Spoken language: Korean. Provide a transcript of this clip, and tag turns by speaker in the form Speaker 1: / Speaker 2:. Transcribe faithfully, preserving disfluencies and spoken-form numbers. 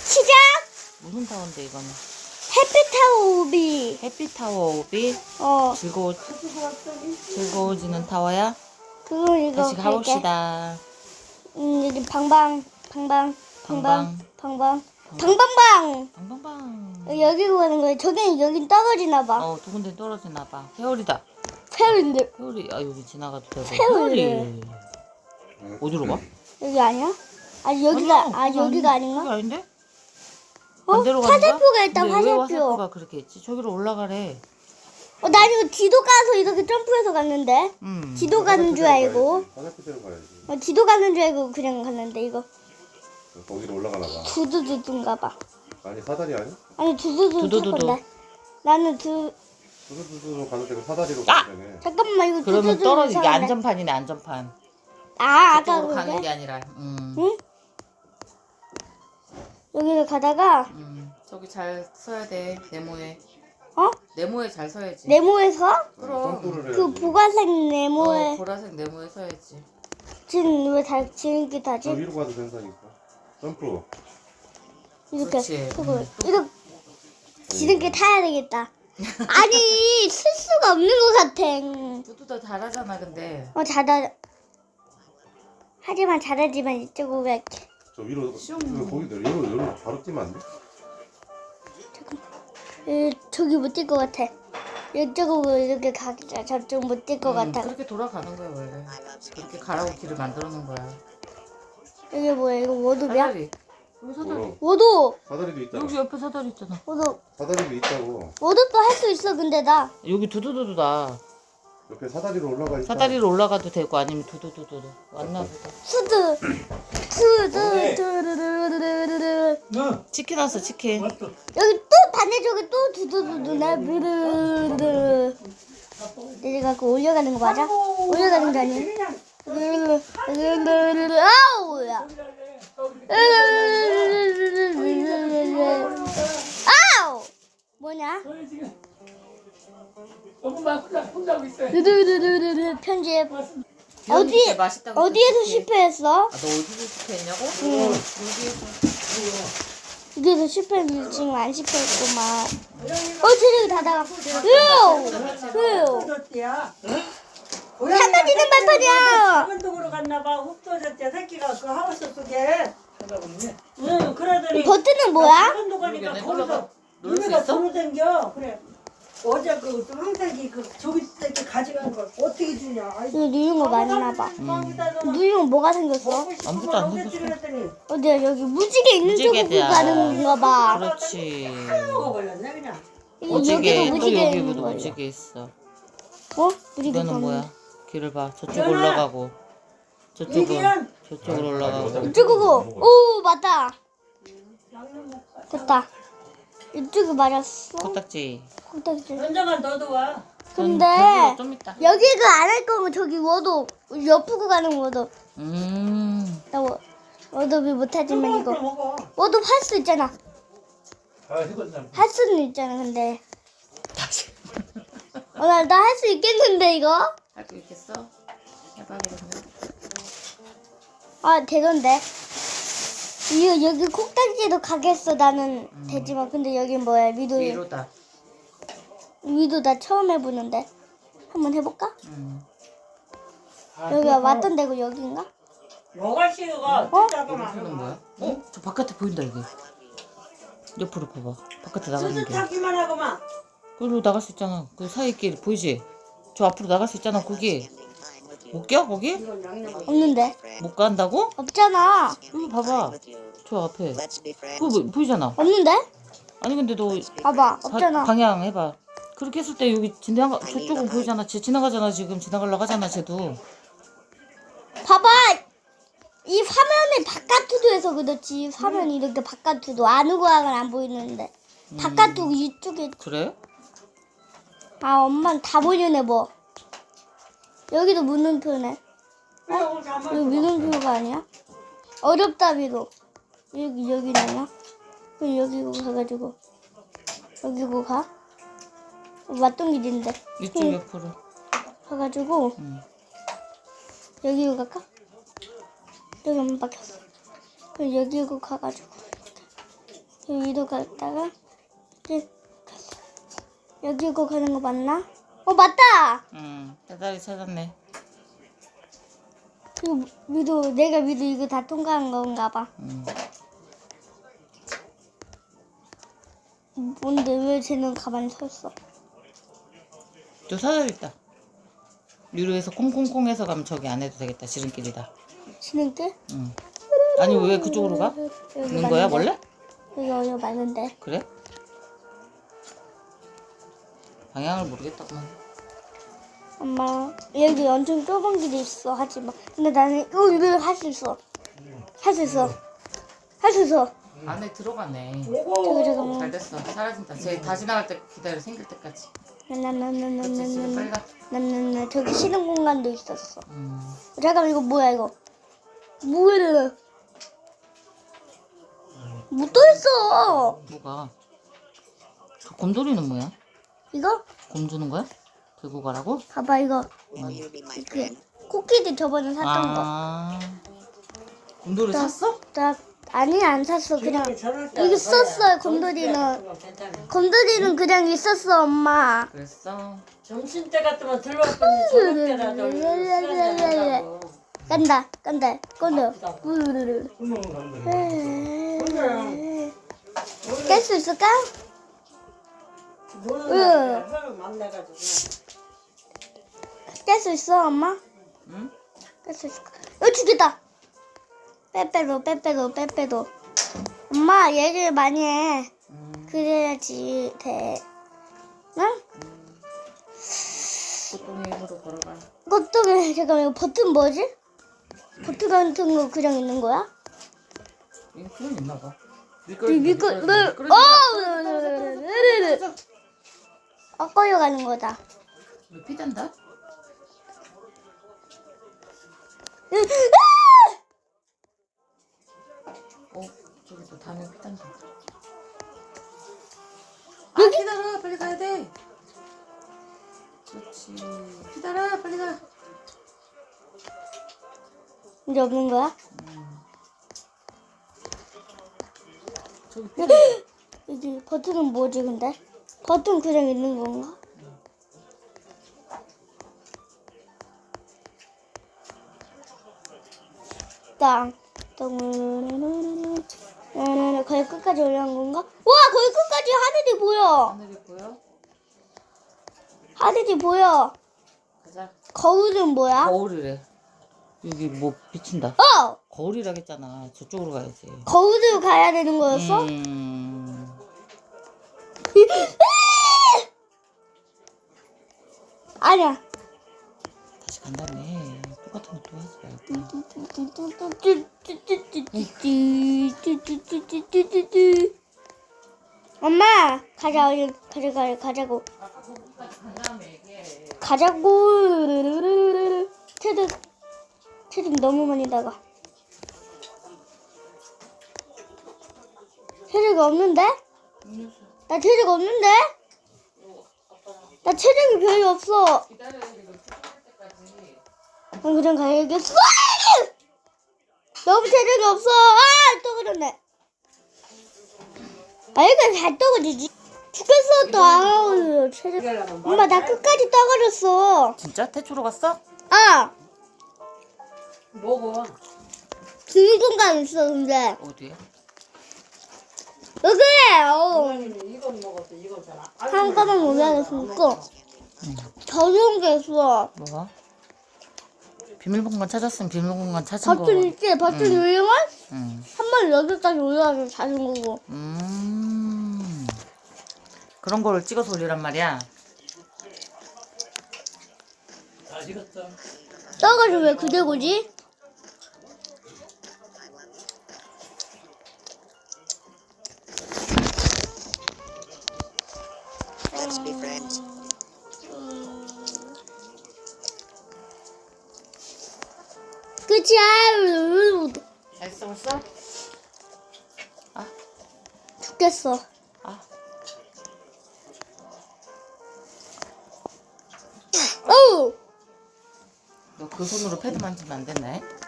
Speaker 1: 시작!
Speaker 2: 무슨 타워인데 이거는?
Speaker 1: 햇빛타워 우비.
Speaker 2: 햇빛 타워 오비?
Speaker 1: 어.
Speaker 2: 즐거워 즐거워지는 타워야?
Speaker 1: 그거 이거
Speaker 2: 다시
Speaker 1: 갈게.
Speaker 2: 가봅시다.
Speaker 1: 음, 여기 방방, 방방, 방방, 방방, 방방방.
Speaker 2: 방방방.
Speaker 1: 여기로 가는 거야. 저긴 여긴 떨어지나 봐.
Speaker 2: 어, 두 군데 떨어지나 봐. 회오리다.
Speaker 1: 페어인데
Speaker 2: 회오리. 아, 여기 지나가도 되고.
Speaker 1: 회오리.
Speaker 2: 회오리. 어디로 가?
Speaker 1: 여기 아니야? 아 여기가
Speaker 2: 아니야,
Speaker 1: 아
Speaker 2: 거기
Speaker 1: 여기가
Speaker 2: 아니- 거기
Speaker 1: 아닌가?
Speaker 2: 아닌데?
Speaker 1: 어?
Speaker 2: 반대로 가는 거야?
Speaker 1: 화살표가 있다.
Speaker 2: 근데 왜
Speaker 1: 화살표.
Speaker 2: 화살표가 그렇게 있지? 저기로 올라가래.
Speaker 1: 어, 난 이거 지도 가서 이렇게 점프해서 갔는데.
Speaker 2: 음.
Speaker 1: 지도 가는 줄 알고.
Speaker 3: 화살표대로 가야지.
Speaker 1: 어, 지도 가는 줄 알고 그냥 갔는데 이거
Speaker 3: 거기로 올라가나 봐.
Speaker 1: 두두두두인가 봐.
Speaker 3: 아니 사다리 아니?
Speaker 1: 아니 두두두 탈
Speaker 2: 두두두두.
Speaker 1: 건데. 나는 두
Speaker 3: 두두두두로 가도 되고 사다리로
Speaker 2: 아!
Speaker 3: 가도 되네.
Speaker 1: 잠깐만 이거
Speaker 2: 그러면
Speaker 1: 두두두
Speaker 2: 떨어지게
Speaker 1: 사는데.
Speaker 2: 안전판이네, 안전판.
Speaker 1: 아 아까
Speaker 2: 저쪽으로 가는 게
Speaker 1: 그게?
Speaker 2: 아니라. 음.
Speaker 1: 응? 여기를 가다가
Speaker 2: 음. 저기 잘 서야 돼. 네모에.
Speaker 1: 어?
Speaker 2: 네모에 잘 서야지.
Speaker 1: 네모에서
Speaker 2: 그럼.
Speaker 3: 점프를
Speaker 1: 그
Speaker 3: 해야지.
Speaker 1: 보라색
Speaker 2: 어,
Speaker 1: 네모에
Speaker 2: 보라색 네모에 서야지.
Speaker 1: 지금 왜다 지름길
Speaker 3: 저
Speaker 1: 타지?
Speaker 3: 위로 가도 된다니까. 점프.
Speaker 1: 이렇게
Speaker 2: 그렇지.
Speaker 1: 그거
Speaker 2: 음.
Speaker 1: 이거 지름길 타야 되겠다. 아니 쓸 수가 없는 것 같아.
Speaker 2: 두두도 잘하잖아, 근데.
Speaker 1: 어 잘하 하지만 잘하지만 이쪽으로 갈게.
Speaker 3: 저 위로
Speaker 2: 슝.
Speaker 3: 이거 거기 여기로 여기로 바로 뛰면 안 돼?
Speaker 1: 에, 저기 못 뛸 것 같아. 이쪽으로 이렇게 가자. 저쪽 못 뛸 것
Speaker 2: 음,
Speaker 1: 같아.
Speaker 2: 그렇게 돌아가는 거야, 원래. 그렇게 가라고 길을 만들어 놓은 거야.
Speaker 1: 여기 뭐야? 이거 워도비야?
Speaker 2: 사다리. 여기 사다리.
Speaker 3: 뭐라고?
Speaker 1: 워도!
Speaker 3: 사다리도 있잖아.
Speaker 2: 여기 옆에 사다리 있잖아.
Speaker 1: 워도.
Speaker 3: 사다리도 있다고.
Speaker 1: 워도도 할 수 있어, 근데 나.
Speaker 2: 여기 두두두두다.
Speaker 3: 옆에 사다리로 올라가 있다.
Speaker 2: 사다리로 올라가도 되고 아니면 두두두두. 왔나 보다.
Speaker 1: 수드. 수드. 두루루루루루루.
Speaker 2: 치킨 왔어, 치킨.
Speaker 1: 여기 또 반대쪽에 또 두두두두네. 부르르. 내려가고 올려가는 거 맞아? 올려가는 거 아니야? 루루루루루루. 아우야. 아우! 뭐냐? 루루루루루 편집. 어디
Speaker 2: 맛있다고
Speaker 1: 어디에서
Speaker 2: 치킨.
Speaker 1: 실패했어?
Speaker 2: 아, 너 어디서 실패했냐고?
Speaker 1: 응.
Speaker 2: 여기에서.
Speaker 1: 여기서 실패했는데 지금 안 실패했구만. 어, 저기 닫아가. 으요! 으요! 사라지는 발판이야!
Speaker 4: 작은 동으로 갔나봐. 흡도졌대. 새끼가 그 하우스 속에. 응, 그러더니.
Speaker 1: 버튼은 뭐야?
Speaker 4: 작은 동 가니까
Speaker 2: 모르겠네.
Speaker 4: 거기서
Speaker 2: 놀러가- 놀 수
Speaker 4: 유미가
Speaker 2: 있어?
Speaker 4: 돌아다녀. 그래. 어제 그 황색이 그 저기 새끼 가져간 걸 어떻게 주냐. 아이고.
Speaker 1: 이거 누른 거 맞나 봐.
Speaker 4: 음.
Speaker 1: 누른 거 뭐가 생겼어?
Speaker 2: 아무것도 안
Speaker 4: 생겼어.
Speaker 2: 생겼어.
Speaker 4: 그랬더니
Speaker 1: 어디야, 여기 무지개 있는 쪽으로
Speaker 2: 무지개대야.
Speaker 1: 가는 건가 봐.
Speaker 2: 그렇지.
Speaker 4: 먹어버렸네 그냥.
Speaker 1: 이거
Speaker 2: 무지개.
Speaker 1: 여기도
Speaker 2: 또
Speaker 1: 무지개 있는
Speaker 2: 여기도
Speaker 1: 거야.
Speaker 2: 무지개 있어.
Speaker 1: 어? 무지개
Speaker 2: 이거는
Speaker 1: 가면.
Speaker 2: 뭐야? 길을 봐. 저쪽
Speaker 4: 연아!
Speaker 2: 올라가고. 저쪽은
Speaker 4: 이기현!
Speaker 2: 저쪽으로 올라가고.
Speaker 1: 이쪽으로. 오, 맞다. 됐다. 이쪽이 맞았어.
Speaker 2: 코딱지.
Speaker 1: 콩딱지.
Speaker 4: 연장아 너도 와.
Speaker 1: 근데
Speaker 2: 저기로 좀 있다.
Speaker 1: 여기가 안 할 거면 저기 워도 옆으로 가는 워도.
Speaker 2: 음.
Speaker 1: 나 워, 워도비 못하지만 이거
Speaker 4: 먹어.
Speaker 1: 워도 할 수 있잖아. 할 수는 있잖아. 근데
Speaker 2: 다시.
Speaker 1: 어, 나나 할 수 있겠는데 이거?
Speaker 2: 할 수 있겠어? 해봐 그러면.
Speaker 1: 아 되던데. 이거 여기 콩딱지도 가겠어. 나는
Speaker 2: 음.
Speaker 1: 되지만 근데 여기 뭐야? 위도
Speaker 2: 위로다.
Speaker 1: 위도 나 처음 해보는데 한번 해볼까?
Speaker 2: 음.
Speaker 1: 여기가 왔던 데고 여기인가?
Speaker 4: 여가씨가
Speaker 1: 어?
Speaker 2: 하는 거야? 어? 저 바깥에 보인다 이게. 옆으로 봐봐. 바깥에 나가는 게.
Speaker 4: 수수타기만 하고만.
Speaker 2: 그리고 나갈 수 있잖아. 그 사이 길 보이지? 저 앞으로 나갈 수 있잖아. 거기. 못 껴? 거기?
Speaker 1: 없는데.
Speaker 2: 못 간다고?
Speaker 1: 없잖아.
Speaker 2: 여기 봐봐. 저 앞에. 그거 뭐, 보이잖아.
Speaker 1: 없는데?
Speaker 2: 아니 근데 너
Speaker 1: 봐봐.
Speaker 2: 바-
Speaker 1: 없잖아.
Speaker 2: 방향 해봐. 그렇게 했을 때 여기 지나가 저쪽은 보이잖아. 쟤 지나가잖아 지금 지나가려고 하잖아 쟤도.
Speaker 1: 봐봐. 이 화면이 바깥으로 해서 그렇지. 화면이 이렇게 바깥으로 안으로는 안 보이는데 바깥으로 이쪽에.
Speaker 2: 그래?
Speaker 1: 아 엄마는 다 보이네 뭐. 여기도 물음표네.
Speaker 4: 어?
Speaker 1: 여기 물음표가 아니야? 어렵다 비로. 여기 여기네요. 그럼 여기로 가가지고 여기로 가. 왔던 길인데.
Speaker 2: 이쪽
Speaker 1: 응.
Speaker 2: 옆으로.
Speaker 1: 가가지고
Speaker 2: 응.
Speaker 1: 여기로 갈까? 여기 한번 박혔어. 그럼 여기로 가가지고 여기로 갔다가 이제 갔어. 여기로 가는 거 맞나? 어 맞다.
Speaker 2: 응, 사다리 찾았네.
Speaker 1: 그 위도 내가 위도 이거 다 통과한 건가 봐.
Speaker 2: 응.
Speaker 1: 뭔데 왜 쟤는 가만히 서 있어?
Speaker 2: 저 사다리 있다. 유로에서 콩콩콩해서 가면 저기 안 해도 되겠다. 지름길이다.
Speaker 1: 지름길?
Speaker 2: 응. 아니 왜 그쪽으로 가?
Speaker 1: 여기
Speaker 2: 있는 거야
Speaker 1: 맞는데?
Speaker 2: 원래?
Speaker 1: 여기 여기 맞는데.
Speaker 2: 그래? 방향을 모르겠다구만.
Speaker 1: 엄마 여기 엄청 좁은 길이 있어 하지마. 근데 나는 이거 이거 할 수 있어. 할 수 있어. 할 수 있어.
Speaker 2: 안에 들어가네.
Speaker 1: 저기 잠깐만.
Speaker 2: 잘 됐어. 사라진다. 쟤 다시 나갈 때 기다려 생길 때까지. 그치 지금 빨리
Speaker 1: 나나나나나나나
Speaker 2: 가.
Speaker 1: 나나나 저기 쉬는 공간도 있었어.
Speaker 2: 음.
Speaker 1: 잠깐만 이거 뭐야 이거? 뭐야? 뭐 또 있어?
Speaker 2: 뭐가? 저 곰돌이는 뭐야?
Speaker 1: 이거?
Speaker 2: 곰 주는 거야? 들고 가라고?
Speaker 1: 봐봐 이거. 그 코끼리 저번에 샀던 거.
Speaker 2: 아. 곰돌이 샀어?
Speaker 1: 나 아니 안 샀어 그냥
Speaker 4: 저럴 때
Speaker 1: 여기 있었어 곰돌이는. 곰돌이는 그냥 있었어 엄마.
Speaker 2: 그랬어.
Speaker 4: 점심 때 같으면 들어올 건데 저녁 때라도 시간 된다고.
Speaker 1: 간다 간다 건져. 깰 수 있을까?
Speaker 4: 노는
Speaker 1: 응.
Speaker 4: 날에 사람 만나가지고
Speaker 1: 깰 수 있어 엄마?
Speaker 2: 응?
Speaker 1: 깰 수 있을까? 어 죽겠다. 빼빼도 빼빼도 빼빼도. 엄마 얘기를 많이 해.
Speaker 2: 음.
Speaker 1: 그래야지 돼. 응?
Speaker 2: 꽃동이 힘으로 걸어가.
Speaker 1: 그것도 잠깐만 이거 버튼 뭐지? 버튼 같은 거 그냥 있는 거야?
Speaker 2: 이거 그런 있나 봐.
Speaker 1: 이 미끄 물 어! 어 꺼려가는 거다.
Speaker 2: 왜 피단다? 어, 저기서 다음에 피단다. 아, 기다려. 빨리 가야 돼. 그렇지. 기다려. 빨리 가.
Speaker 1: 이제 없는 거야?
Speaker 2: 저기 피단다.
Speaker 1: 여기 버튼은 뭐지 근데? 버튼 그냥 있는 건가? 땅. 땅. 거의 끝까지 올라간 건가? 와 거의 끝까지 하늘이 보여.
Speaker 2: 하늘이 보여?
Speaker 1: 하늘이 보여.
Speaker 2: 가자.
Speaker 1: 거울은 뭐야?
Speaker 2: 거울이래. 여기 뭐 비친다.
Speaker 1: 어!
Speaker 2: 거울이라겠잖아. 저쪽으로 가야지.
Speaker 1: 거울을 가야 되는 거였어?
Speaker 2: 음.
Speaker 1: 아니야.
Speaker 2: 다시 간다며. 똑같은 거 또 하지 말고.
Speaker 1: 엄마 가자 얼른 가자 가자 가자고
Speaker 2: 간다며 이게.
Speaker 1: 가자고. 체득 체득 너무 많이 나가. 체득이 없는데? 나 체득 없는데? 나 체력이 별로 없어.
Speaker 2: 기다려야 돼. 이거 출발할 때까지.
Speaker 1: 그럼 그냥 가야겠어. 너무 체력이 없어. 아, 또 그러네. 아, 이거 잘 떠가지지. 죽겠어, 또. 아우, 체력. 엄마, 나 끝까지 떠버렸어.
Speaker 2: 진짜? 태초로 갔어?
Speaker 1: 아,
Speaker 4: 먹어.
Speaker 1: 비밀 공간 있어, 근데.
Speaker 2: 어디에?
Speaker 1: 여기, 어.
Speaker 4: 이거는 이건 먹었어. 이건 잘 안.
Speaker 1: 한꺼번에 올라갔으니까. 저런 게 있어.
Speaker 2: 뭐가? 비밀 공간 찾았으면 비밀 공간 찾은 거.
Speaker 1: 버튼 있지? 버튼 누르면
Speaker 2: 응.
Speaker 1: 한 번 여기까지 올라가서 자는 거고.
Speaker 2: 음. 그런 거를 찍어서 올리란 말이야.
Speaker 1: 떠가지고 왜 그대고지?
Speaker 5: Let's be friends.
Speaker 1: 끝이야.
Speaker 2: 알았어 벌써? 아,
Speaker 1: 죽겠어.
Speaker 2: 아.
Speaker 1: 어우.
Speaker 2: 너 그 손으로 패드 만지면 안 되네.